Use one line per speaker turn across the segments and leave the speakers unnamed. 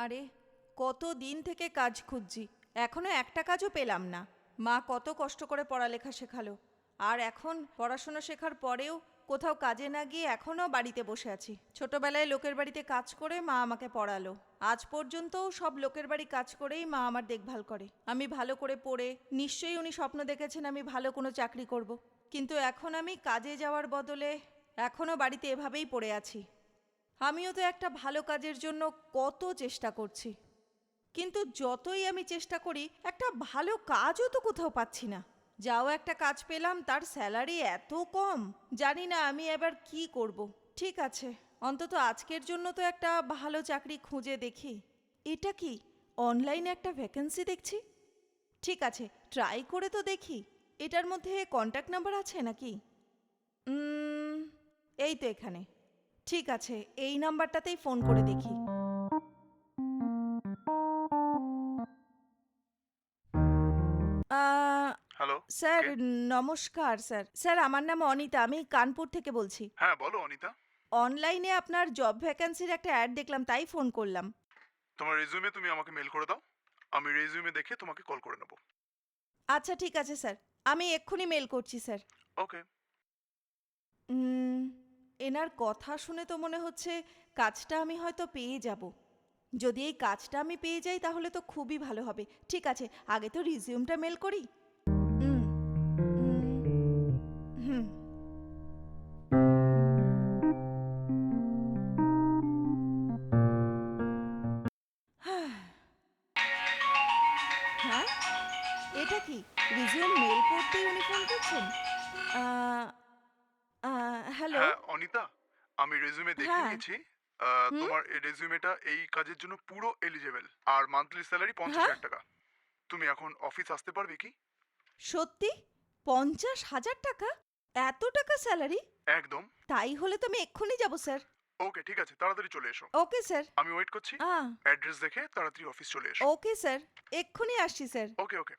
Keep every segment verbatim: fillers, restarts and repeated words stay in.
আরে কত দিন থেকে কাজ খুঁজছি, এখনো একটা কাজও পেলাম না। মা কত কষ্ট করে পড়ালেখা শেখালো, আর এখন পড়াশোনা শেখার পরেও কোথাও কাজে না গিয়ে এখনও বাড়িতে বসে আছি। ছোটবেলায় লোকের বাড়িতে কাজ করে মা আমাকে পড়ালো, আজ পর্যন্তও সব লোকের বাড়ি কাজ করেই মা আমার দেখভাল করে। আমি ভালো করে পড়ে নিশ্চয়ই উনি স্বপ্ন দেখেছেন আমি ভালো কোনো চাকরি করব, কিন্তু এখন আমি কাজে যাওয়ার বদলে এখনও বাড়িতে এভাবেই পড়ে আছি। আমিও তো একটা ভালো কাজের জন্য কত চেষ্টা করছি, কিন্তু যতই আমি চেষ্টা করি একটা ভালো কাজও তো কোথাও পাচ্ছি না। যাও একটা কাজ পেলাম, তার স্যালারি এত কম, জানি না আমি এবার কি করব। ঠিক আছে, অন্তত আজকের জন্য তো একটা ভালো চাকরি খুঁজে দেখি। এটা কি অনলাইনে একটা ভ্যাকেন্সি দেখছি? ঠিক আছে, ট্রাই করে তো দেখি। এটার মধ্যে কন্ট্যাক্ট নাম্বার আছে নাকি? উম, এই তো এখানে। ঠিক আছে, এই নাম্বারটাতেই ফোন করে দেখি। আহ,
হ্যালো।
স্যার
কে?
নমস্কার। স্যার স্যার আমার নাম অনিতা, আমি কানপুর থেকে বলছি।
হ্যাঁ, বলো অনিতা।
অনলাইনে আপনার জব ভ্যাকেন্সির একটা অ্যাড দেখলাম, তাই ফোন করলাম।
তোমার রেজিউমে তুমি আমাকে মেল করে দাও। আমি রেজিউমে দেখে তোমাকে কল করে নেব।
আচ্ছা ঠিক আছে স্যার, আমি এক্ষুনি মেল করছি স্যার।
ওকে।
উম, এনার কথা শুনে তো মনে হচ্ছে কাজটা আমি হয়তো পেয়ে যাব। যদি এই কাজটা আমি পেয়ে যাই তাহলে তো খুবই ভালো হবে। ঠিক আছে, আগে তো রিজিউমটা মেল করি। উম, উম, হুম। হ্যাঁ, এটা কি রিজিউম মেল করতেই উনি ফোন করছেন? আহ, আহ, হ্যালো।
হ্যাঁ অনিতা, আমি রেজিউমে দেখে
হ্যাঁ।
নিয়েছি। আহ,
হুম।
তোমার এই রেজিউমেটা এই কাজের জন্য পুরো এলিজেবল। আর মান্থলি স্যালারি পঞ্চাশ
হ্যাঁ,
হাজার টাকা তুমি এখন অফিস আসতে পারবে কি?
সত্যি? পঞ্চাশ হাজার টাকা? এত টাকা স্যালারি?
একদম।
তাই হলে তো আমি এক্ষুনি যাব স্যার।
ওকে, ঠিক আছে, তাড়াতাড়ি চলে এসো।
Okay sir.
আমি ওয়েট করছি।
আ
অ্যাড্রেস দেখে তাড়াতাড়ি অফিস চলে এসো।
ওকে স্যার, এক্ষুনি আসছি স্যার।
ওকে ওকে।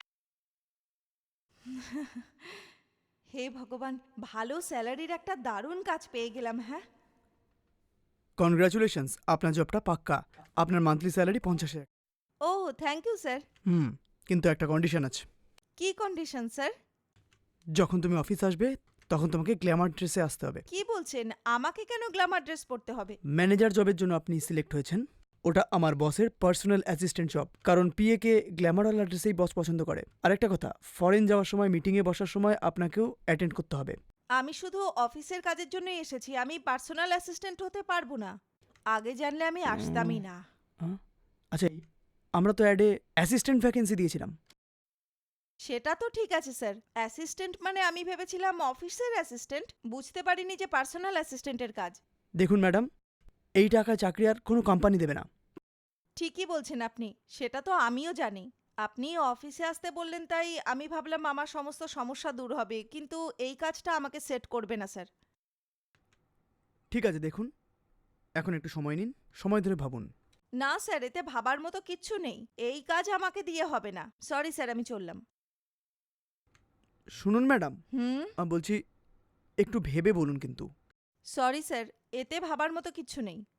হে ভগবান, ভালো স্যালারির একটা দারুণ কাজ পেয়ে গেলাম। হ্যাঁ,
কনগ্রাচুলেশনস, আপনার জবটা পাক্কা। আপনার মান্থলি স্যালারি পঞ্চাশ হাজার।
Oh thank you sir.
হুম, কিন্তু একটা কন্ডিশন আছে।
কি কন্ডিশন স্যার?
যখন তুমি অফিস আসবে তখন তোমাকে গ্ল্যামার ড্রেসে আসতে হবে।
কি বলছেন, আমাকে কেন গ্ল্যামার ড্রেস পরতে হবে?
ম্যানেজার জবের জন্য আপনি সিলেক্ট হয়েছেন। ওটা আমার বসের পার্সোনাল অ্যাসিস্ট্যান্ট জব, কারণ পিএ কে গ্ল্যামারওয়ালা ড্রেসেই বস পছন্দ করে। আরেকটা কথা, ফরেন যাওয়ার সময় মিটিংয়ে বসার সময় আপনাকেও অ্যাটেন্ড করতে হবে।
আমি শুধু অফিসের কাজের জন্যই এসেছি, আমি পার্সোনাল অ্যাসিস্ট্যান্ট হতে পারবো না। আগে জানলে আমি আসতামই না।
হ্যাঁ? আচ্ছা, এই, আমরা তো অ্যাডে অ্যাসিস্ট্যান্ট ভ্যাকেন্সি দিয়েছিলাম।
সেটা তো ঠিক আছে স্যার, অ্যাসিস্ট্যান্ট মানে আমি ভেবেছিলাম অফিসের অ্যাসিস্ট্যান্ট, বুঝতে পারিনি যে পার্সোনাল অ্যাসিস্ট্যান্টের কাজ।
দেখুন ম্যাডাম, এই টাকা চাকরি আর কোনো কোম্পানি দেবে না।
ঠিকই বলছেন আপনি, সেটা তো আমিও জানি। আপনি অফিসে আসতে বললেন তাই আমি ভাবলাম আমার সমস্ত সমস্যা দূর হবে, কিন্তু এই কাজটা আমাকে সেট করবে না স্যার।
ঠিক আছে, দেখুন, এখন একটু সময় নিন, সময় ধরে ভাবুন।
না স্যার, এতে ভাবার মতো কিচ্ছু নেই, এই কাজ আমাকে দিয়ে হবে না। সরি স্যার, আমি চললাম।
শুনুন ম্যাডাম,
হুম।
বলছি একটু ভেবে বলুন কিন্তু।
সরি স্যার, এতে ভাবার মতো কিচ্ছু নেই।